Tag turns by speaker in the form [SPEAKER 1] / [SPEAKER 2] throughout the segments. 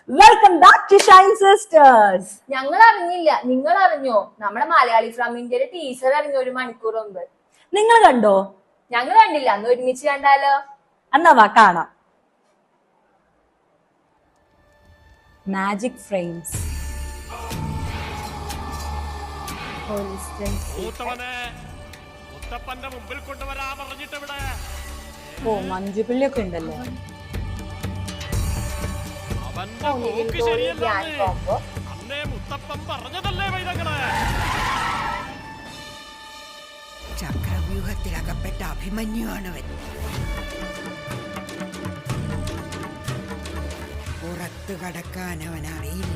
[SPEAKER 1] Welcome back to shine sisters.
[SPEAKER 2] ഞങ്ങൾ അറിഞ്ഞില്ല, നിങ്ങൾ അറിഞ്ഞോ? നമ്മുടെ മലയാളി ഫ്രം ഇന്ത്യയുടെ ടീച്ചർ അറിഞ്ഞു 1 മണിക്കൂർ മുമ്പ്.
[SPEAKER 1] നിങ്ങൾ കണ്ടോ?
[SPEAKER 2] ഞങ്ങൾ കണ്ടില്ല. അന്ന് ഒരുമിച്ച് കണ്ടാലോ?
[SPEAKER 1] എന്നാ വാ കാണാം. Magic frames. ഓ മഞ്ജുപിള്ളിയൊക്കെ ഉണ്ടല്ലോ.
[SPEAKER 3] ചക്രവ്യൂഹത്തിലകപ്പെട്ട അഭിമന്യുവാണവൻ. പുറത്തു കടക്കാൻ അവൻ അറിയില്ല.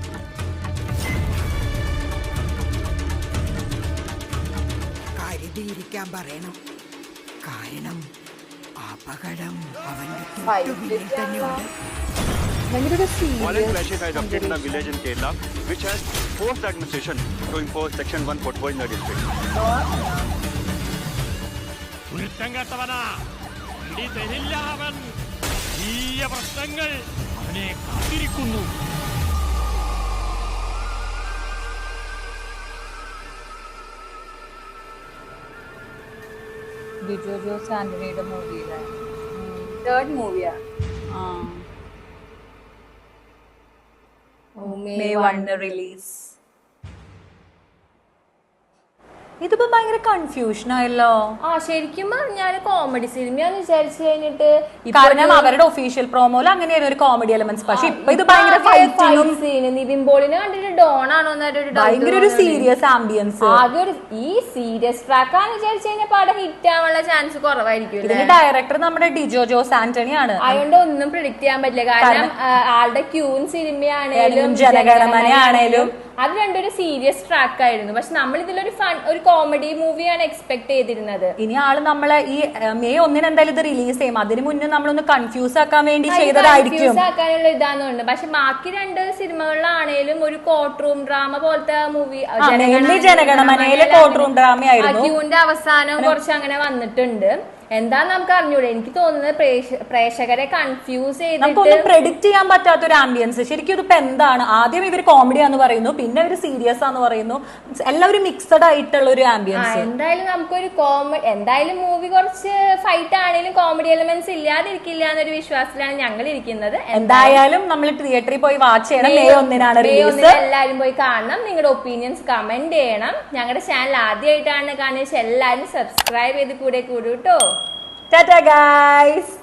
[SPEAKER 3] കരുതിയിരിക്കാൻ പറയണം. കാരണം അപകടം അവന്റെ തൊട്ടുപിന്നിൽ തന്നെയുണ്ട്.
[SPEAKER 4] Violent clashes had erupted in a village in Kerala, which has forced the administration to impose Section 144 in the district.
[SPEAKER 5] പ്രശ്നങ്ങൾ അവനെ കാത്തിരിക്കുന്നു.
[SPEAKER 1] ഡിജോ ജോസ് ആന്റണിയുടെ മൂവിയിലെ
[SPEAKER 2] 3rd മൂവിയാ.
[SPEAKER 1] May 1 release. ഇതിപ്പോ ഭയങ്കര കൺഫ്യൂഷൻ ആയല്ലോ.
[SPEAKER 2] ശരിക്കും പറഞ്ഞാല് കോമഡി സിനിമയാന്ന് വിചാരിച്ചു കഴിഞ്ഞിട്ട്,
[SPEAKER 1] കാരണം അവരുടെ ഒഫീഷ്യൽ പ്രോമോയിൽ അങ്ങനെയാണ് ഒരു കോമഡി എലമെന്റ്സ്. പക്ഷെ ഇപ്പൊ ഇത് ഭയങ്കര ഫൈറ്റിംഗും
[SPEAKER 2] നിവിൻ പോളിനെ കണ്ടിട്ട് ഡോൺ ആണോ
[SPEAKER 1] ഭയങ്കര ഒരു സീരിയസ് ആംബിയൻസ്.
[SPEAKER 2] ആകെ ഒരു ഈ സീരിയസ് ട്രാക്കാന്ന് വിചാരിച്ചു കഴിഞ്ഞാൽ പടം ഹിറ്റ് ആവാനുള്ള ചാൻസ് കുറവായിരിക്കും.
[SPEAKER 1] ഇതിന്റെ ഡയറക്ടർ നമ്മുടെ ഡിജോ ജോസ് ആന്റണി ആണ്.
[SPEAKER 2] അതുകൊണ്ട് ഒന്നും പ്രിഡിക്ട് ചെയ്യാൻ പറ്റില്ല. കാരണം ആളുടെ ക്യൂൻ സിനിമയാണേലും
[SPEAKER 1] ജനഗണമനയാണേലും
[SPEAKER 2] അത് രണ്ടൊരു സീരിയസ് ട്രാക്ക് ആയിരുന്നു. പക്ഷെ നമ്മൾ ഇതിലൊരു ഒരു കോമഡി മൂവിയാണ് എക്സ്പെക്ട് ചെയ്തിരുന്നത്.
[SPEAKER 1] ഇനി ആള് നമ്മളെ ഈ May 1 എന്തായാലും ഇത് റിലീസ് ചെയ്യും. അതിന് മുന്നേ നമ്മളൊന്ന് കൺഫ്യൂസ് ആക്കാൻ വേണ്ടി ചെയ്തതായിരിക്കും.
[SPEAKER 2] ആക്കാനുള്ള ഇതാന്നുണ്ട്. പക്ഷെ ബാക്കി 2 സിനിമകളിലാണേലും ഒരു കോർട്ട് റൂം ഡ്രാമ പോലത്തെ മൂവി,
[SPEAKER 1] ജനഗണമനയിലെ കോർട്ട് റൂം ഡ്രാമ ആയിരുന്നു.
[SPEAKER 2] ക്യൂന്റെ അവസാനം കുറച്ച് അങ്ങനെ വന്നിട്ടുണ്ട്. എന്താന്ന് നമുക്ക് അറിഞ്ഞൂടെ. എനിക്ക് തോന്നുന്നത് പ്രേക്ഷകരെ കൺഫ്യൂസ് ചെയ്തിട്ട്
[SPEAKER 1] പ്രെഡിക്ട് ചെയ്യാൻ പറ്റാത്ത ഒരു ആംബിയൻസ്. ശരിക്കും ഇതിപ്പോ എന്താണ്? ആദ്യം ഇവർ കോമഡിയാന്ന് പറയുന്നു, പിന്നെ ഇവര് സീരിയസ് ആന്ന് പറയുന്നു. എല്ലാവരും മിക്സഡ് ആയിട്ടുള്ള ഒരു ആംബിയൻസ്.
[SPEAKER 2] എന്തായാലും നമുക്കൊരു എന്തായാലും മൂവി കുറച്ച് ഫൈറ്റ് ആണെങ്കിലും കോമഡി എലമെന്റ്സ് ഇല്ലാതിരിക്കില്ല എന്നൊരു വിശ്വാസത്തിലാണ് ഞങ്ങൾ ഇരിക്കുന്നത്.
[SPEAKER 1] എന്തായാലും നമ്മൾ തിയേറ്ററിൽ പോയി വാച്ച് ചെയ്യണം. May 1 release.
[SPEAKER 2] എല്ലാരും പോയി കാണണം. നിങ്ങളുടെ ഒപ്പീനിയൻസ് കമന്റ് ചെയ്യണം. ഞങ്ങളുടെ ചാനൽ ആദ്യമായിട്ടാണ് കാണുന്നത്, എല്ലാരും സബ്സ്ക്രൈബ് ചെയ്ത് കൂടെ കൂടൂട്ടോ.
[SPEAKER 1] Ta-ta guys!